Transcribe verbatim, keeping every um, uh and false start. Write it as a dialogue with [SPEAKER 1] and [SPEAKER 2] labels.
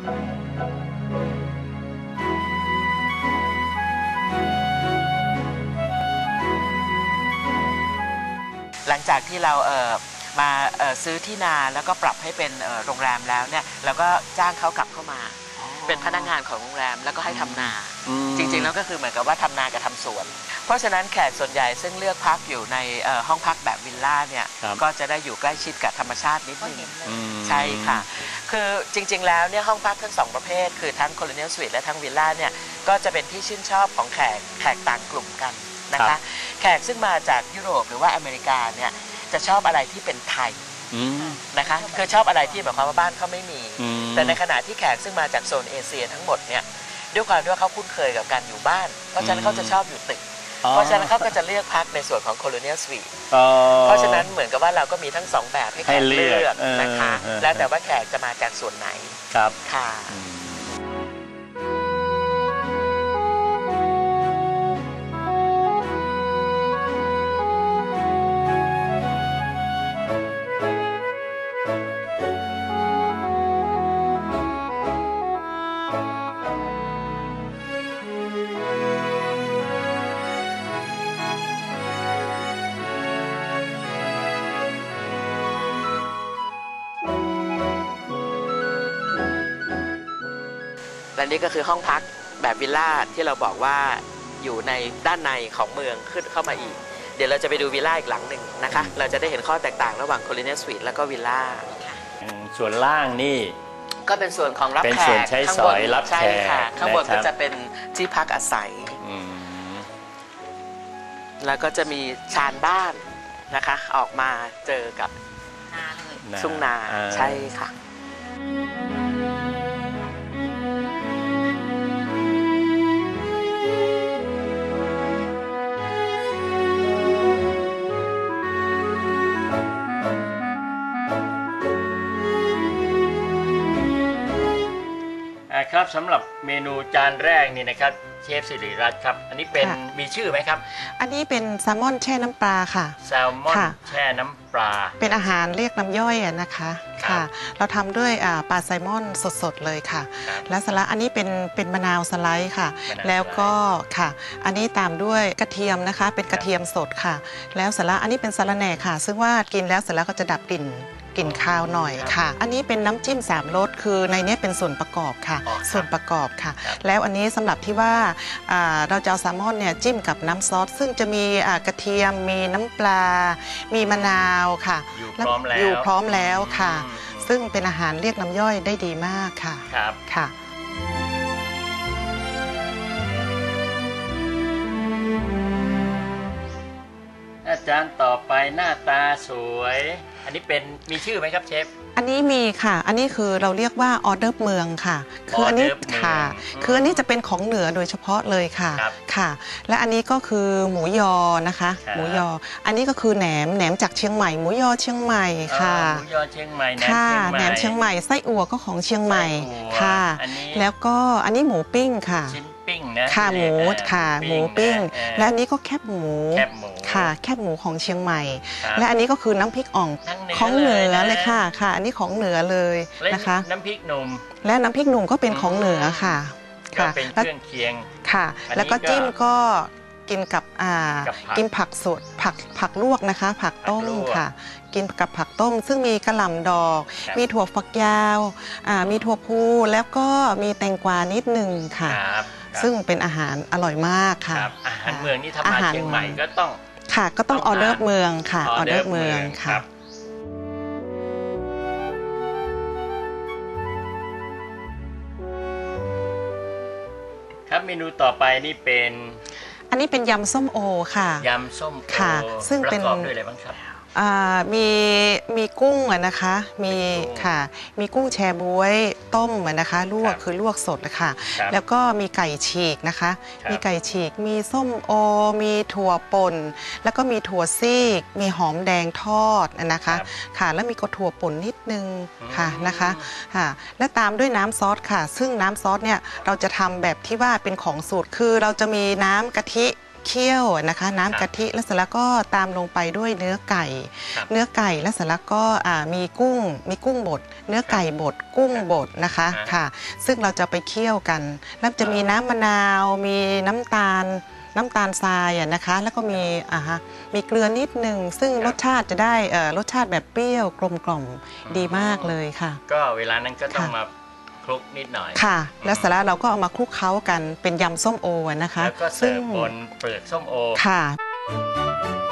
[SPEAKER 1] หลังจากที่เราเอ่อมาเอ่อซื้อที่นาแล้วก็ปรับให้เป็นโรงแรมแล้วเนี่ยเราก็จ้างเขากลับเข้ามาเป็นพนักงานของโรงแรมแล้วก็ให้ทำนาจริงๆแล้วก็คือเหมือนกับว่าทำนากับทำสวนเพราะฉะนั้นแขกส่วนใหญ่ซึ่งเลือกพักอยู่ในห้องพักแบบวิลล่าเนี่ยก็จะได้อยู่ใกล้ชิดกับธรรมชาตินิดนึงใช่ค่ะคือจริงๆแล้วเนี่ยห้องพักทั้งสองประเภทคือทั้ง Colonial Suite และทั้งวิลล่าเนี่ยก็จะเป็นที่ชื่นชอบของแขกแขกต่างกลุ่มกันนะคะแขกซึ่งมาจากยุโรปหรือว่าอเมริกาเนี่ยจะชอบอะไรที่เป็นไทยนะคะคือชอบอะไรที่แบบความว่าบ้านเขาไม่มีแต่ในขณะที่แขกซึ่งมาจากโซนเอเชียทั้งหมดเนี่ยด้วยความที่ว่าเขาคุ้นเคยกับการอยู่บ้านเพราะฉะนั้นเขาจะชอบอยู่ตึกเพราะฉะนั้นเขาก็จะเลือกพักในส่วนของ Colonial Suite เพราะฉะนั้นเหมือนกับว่าเราก็มีทั้งสองแบบให้แขกเลือกนะคะแล้วแต่ว่าแขกจะมาจากส่วนไหนครับค่ะและนี่ก็คือห้องพักแบบวิลล่าที่เราบอกว่าอยู่ในด้านในของเมืองขึ้นเข้ามาอีกเดี๋ยวเราจะไปดูวิลล่าอีกหลังหนึ่งนะคะเราจะได้เห็นข้อแตกต่างระหว่าง Colonial Suite แล้วก็วิลล่า
[SPEAKER 2] ส่วนล่างนี่
[SPEAKER 1] ก็เป็นส่วนของรับแขกข้างบนใช่ค่ะข้างบนก็จะเป็นที่พักอาศัยแล้วก็จะมีชานบ้านนะคะออกมาเจอกับนาเลยทุ่งนาใช่ค่ะ
[SPEAKER 2] ครับสำหรับเมนูจานแรกนี่นะครับเชฟสิริรัตน์ครับอันนี้เป็นมีชื่อไหมครับ
[SPEAKER 3] อันนี้เป็นแซลมอนแช่น้ำปลาค่ะ
[SPEAKER 2] แซลมอนแช่น้ำปลา
[SPEAKER 3] เป็นอาหารเรียกน้ำย่อยนะคะค่ะเราทำด้วยปลาแซลมอนสดๆเลยค่ะและสลัดอันนี้เป็นเป็นมะนาวสไลด์ค่ะแล้วก็ค่ะอันนี้ตามด้วยกระเทียมนะคะเป็นกระเทียมสดค่ะแล้วสลัดอันนี้เป็นสะระแหน่ค่ะซึ่งว่ากินแล้วเสร็จแล้วก็จะดับกลิ่นกลิ่นคาวหน่อยค่ะอันนี้เป็นน้ำจิ้มสามรสคือในนี้เป็นส่วนประกอบค่ะส่วนประกอบค่ะแล้วอันนี้สำหรับที่ว่าเราจะเอาแซลมอนเนี่ยจิ้มกับน้ำซอสซึ่งจะมีกระเทียมมีน้ำปลามีมะนาวค่ะอยู่พร้อมแล้วค่ะซึ่งเป็นอาหารเรียกน้ำย่อยได้ดีมากค่ะ
[SPEAKER 2] ครับ
[SPEAKER 3] ค่ะ
[SPEAKER 2] อาจารย์ต่อไปหน้าตาสวยอันนี้เป็นมีชื่อไหมครับเชฟ
[SPEAKER 3] อันนี้มีค่ะอันนี้คือเราเรียกว่าออเดอร์เมืองค่ะคืออันนี้ค่ะคืออันนี้จะเป็นของเหนือโดยเฉพาะเลยค่ะค่ะและอันนี้ก็คือหมูยอนะคะหมูยออันนี้ก็คือแหนมแหนมจากเชียงใหม่หมูยอเชียงใหม่ค่ะ
[SPEAKER 2] หมูยอเชียงใหม่
[SPEAKER 3] ค่ะแหนมเชียงใหม่ไส้อั่วก็ของเชียงใหม่ค่ะแล้วก็อันนี้หมูปิ้งค่ะ
[SPEAKER 2] ปิ้งนะ
[SPEAKER 3] ค่ะหมูค่ะหมูปิ้งและอันนี้ก็แคบหมูค่ะแคบหมูของเชียงใหม่และอันนี้ก็คือน้ำพริกอ่องของเหนือเลยค่ะค่ะอันนี้ของเหนือเลยนะคะ
[SPEAKER 2] น้ำพริกหนุ่ม
[SPEAKER 3] และน้ำพริกหนุ่มก็เป็นของเหนือค่ะ
[SPEAKER 2] ค่ะเป็นเครื่องเคียง
[SPEAKER 3] ค่ะแล้วก็จิ้มก็กินกับอ่ากินผักสดผักผักลวกนะคะผักต้มค่ะกินกับผักต้มซึ่งมีกระหล่ำดอกมีถั่วฝักยาวอ่ามีถั่วพูแล้วก็มีแตงกวานิดนึงค่ะซึ่งเป็นอาหารอร่อยมากค่ะ
[SPEAKER 2] อาหารเมืองนี่ถ้ามาเชียงใหม่ก็ต้อง
[SPEAKER 3] ค่ะก็ต้องออเดอร์เมืองค่ะออเดอร์เมืองค่ะ
[SPEAKER 2] ครับเมนูต่อไปนี่เป็น
[SPEAKER 3] อันนี้เป็นยำส้มโอค่ะ
[SPEAKER 2] ยำส้มโอ
[SPEAKER 3] ค่ะซึ่งเป็น
[SPEAKER 2] ประกอบด้วยอะไรบ้างครับ
[SPEAKER 3] มีมีกุ้งนะคะมีค่ะมีกุ้งแชบ๊วยต้มนะคะลวกคือลวกสดนะคะแล้วก็มีไก่ฉีกนะคะมีไก่ฉีกมีส้มโอมีถั่วป่นแล้วก็มีถั่วซีกมีหอมแดงทอดนะคะค่ะแล้วมีกระถั่วป่นนิดนึงค่ะนะคะค่ะและตามด้วยน้ำซอสค่ะซึ่งน้ำซอสเนี่ยเราจะทำแบบที่ว่าเป็นของสูตรคือเราจะมีน้ำกะทิเคี่ยวนะคะน้ำกะทิแล้วเสร็จแล้วก็ตามลงไปด้วยเนื้อไก่ เนื้อไก่แล้วเสร็จแล้วก็มีกุ้งมีกุ้งบดเนื้อไก่บดกุ้งบดนะคะค่ะซึ่งเราจะไปเคี่ยวกันแล้วจะมีน้ำมะนาวมีน้ำตาลน้ำตาลทรายอ่ะนะคะแล้วก็มีอ่าฮะมีเกลือนิดนึงซึ่งรสชาติจะได้รสชาติแบบเปรี้ยวกลมกล่อมดีมากเลยค่ะ
[SPEAKER 2] ก็เวลานั้นก็ต้องมาคลุกนิดหน่อย
[SPEAKER 3] ค่ะแล้วเสร็จแล้วเราก็เอามาคลุกเคล้ากันเป็นยำส้มโอนะคะ
[SPEAKER 2] แล้วก็เสิร์ฟบนเปลือกส้มโอ
[SPEAKER 3] ค่ะ